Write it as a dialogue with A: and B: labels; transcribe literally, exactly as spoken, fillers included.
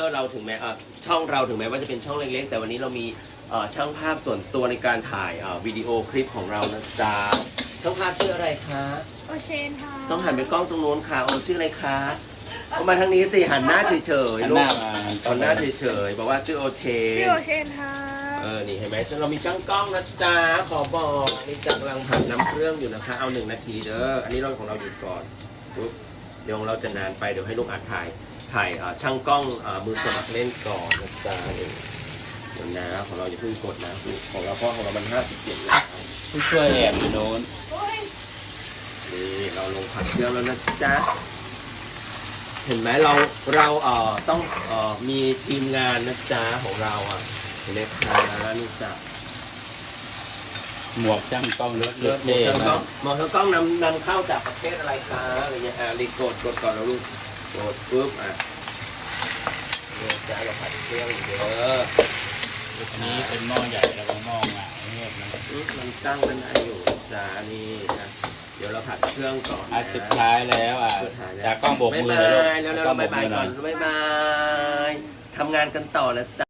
A: เราถึงแม้ช่องเราถึงแม้ว่าจะเป็นช่องเล็กๆแต่วันนี้เรามีช่างภาพส่วนตัวในการถ่ายวิดีโอคลิปของเรานะจ๊ะช่างภาพชื่ออะไรคะ
B: โอเชนค่ะ
A: ต้องหันไปกล้องตรงโน้นค่ะโอชื่ออะไรคะเอามาทางนี้สิหันหน้าเฉยๆลูกหันหน้าเฉยๆบอกว่าชื่อโอเชน
B: ชื่อโอเชนค่ะ
A: เออนี่เห็นไหมเรามีช่างกล้องนะจ๊ะขอบอกนี่จักกำลังผัดน้ำเครื่องอยู่นะคะเอาหนึ่งนาทีเด้ออันนี้เราของเราหยุดก่อนปุ๊บเดี๋ยวเราจะนานไปเดี๋ยวให้ลูกอัดถ่ายถ่ายช่างกล้องมือสมัครเล่นก่อนนะจ๊ะเดี๋ยวนะของเราอย่าเพิ่งกดนะของเราเพราะของเรามันห้าสิบเจ็ดแล้ว
C: ผู้ช่วยแอบอยู่โน้น
A: นี่เราลงผัดเครื่องแล้วนะจ๊ะเห็นไหมเราเราเอ่อต้องเอ่อมีทีมงานนะจ๊ะของเราอ่ะเห็นไหมคะนี่จ้ะ
C: หมวกช่างกล้องเลือด
A: เลือดหมวกช่างกล้องหมวกช่างกล้องนำนำเข้าจากประเทศอะไรคะอะไรเงี้ยอ่ารีกดกดก่อนแล้วลูกกดปุ๊บอ่ะเนี่ยจ้ะเราผัดเครื่องเยอะ
C: อันนี้เป็นหม้อใหญ่แล้วก็หม้อหงายเนี่ยมัน
A: มันตั้งมันได้อยู่จ้านี่นะเดี๋ยวเราผัดเครื่องก่อน
C: อันสุดท้ายแล้วอ่ะจากกล้องโบกมือเลยลูก
A: แล้วเราบายบายก่อนบายบายทำงานกันต่อแล้วจ้ะ